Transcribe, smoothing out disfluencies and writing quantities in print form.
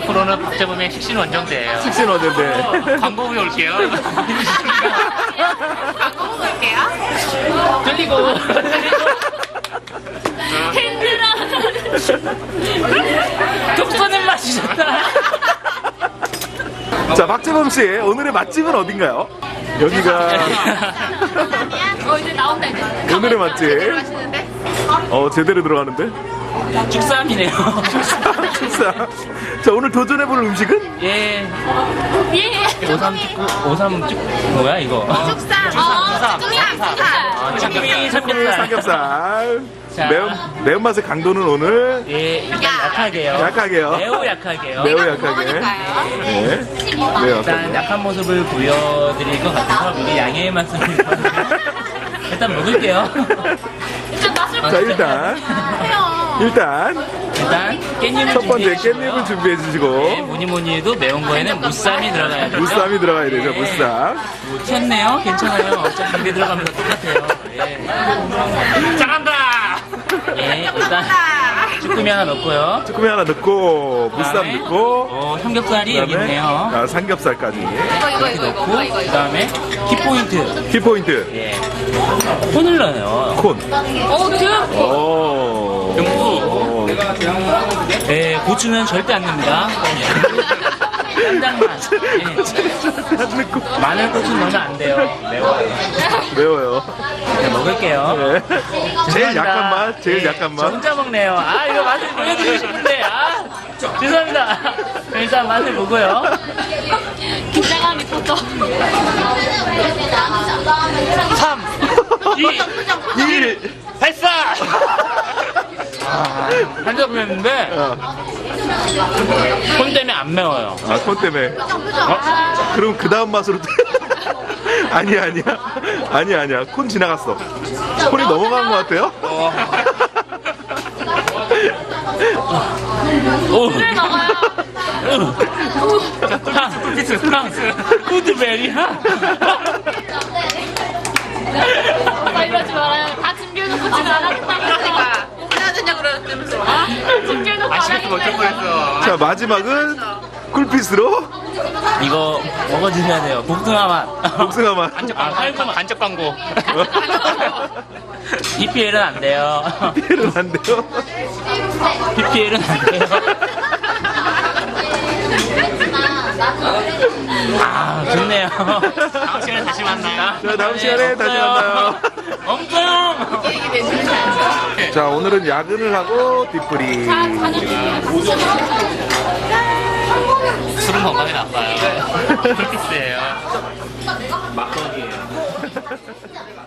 앞으로는 박재범의 식신 원정대예요. 식신 원정대. 광고 후에 올게요. 광고 보고 올게요. 들리고. 힘들어. 독서는 맛이셨다. 자, 박재범 씨, 오늘의 맛집은 어딘가요? 여기가 이제 나온다 이제. 오늘의 맛집. 제대로 하시는데? 제대로 들어가는데? 죽삼이네요. 식사. 자, 오늘 도전해볼 음식은? 예. 예. 오삼 쭉 뭐야 이거? 축산. 쭈꾸미 삼겹살. 삼겹살. 자. 매운맛의 강도는 오늘 예, 일단 약하게요. 약하게요. 매우 약하게요. 매우 약하게. 먹으니까요. 네. 매우 일단 약하게. 약한 모습을 보여드릴 것 같아서 미리 양해의 말씀을 일단 먹을게요. 일단 맛을 자, 일단 보세요. 일단 깻잎을 첫 번째 준비해 깻잎을 준비해 네, 주시고 뭐니 해도 매운 거에는 무쌈이 들어가야 되죠. 무쌈이 들어가야 되죠. 무쌈. 뭐 튀었네요. 괜찮아요. 어차피 입에 들어가면 다 똑같아요. 예. 잘한다. 예, 일단 쭈꾸미 하나 넣고요. 쭈꾸미 하나 넣고 무쌈 그다음에 넣고 삼겹살이 여기 그다음에 있네요. 삼겹살까지. 이거 넣고 그다음에 키포인트. 키포인트. 예. 콘을 넣어요. 콘. 듬. 오. 듬뿍. 네, 고추는 절대 안 넣습니다. 깐장만. 예. 마늘 고추 넣으면 안 돼요. 매워요. 매워요. 네, 먹을게요. 네. 제일 죄송합니다. 약한 맛. 제일 예, 약한 저 맛. 혼자 먹네요. 이거 맛을 보여드리고 싶은데. 죄송합니다. 일단 맛을 보고요. 긴장감이 붙어. 3, 2, 1, 발사! 한 접했는데 콘 때문에 안 매워요. 콘 때문에. 그럼 그 다음 맛으로. 아니야. 콘 지나갔어. 콘이 넘어간 것 같아요? 술 먹어요. 구드베리야? 이러지 말아요. 다 준비해놓고 지금 안 하겠다고 그러니까. 해야 되냐 그러면서. 준비해놓고 안 하겠다. 자, 마지막은 쿨피스로 이거 먹어주셔야 돼요. 복숭아 맛. 복숭아 맛. 간접 광고. PPL은 안 돼요. 피해는 안 돼요. PPL은 안 돼요. 좋네요. 다음 시간에 다시 만나요. 자, 다음 시간에 다시 만나요. 엄청! 자, 오늘은 야근을 하고 뒷풀이. 술은 건강에 나빠요. 풀피스예요. 막걸리예요.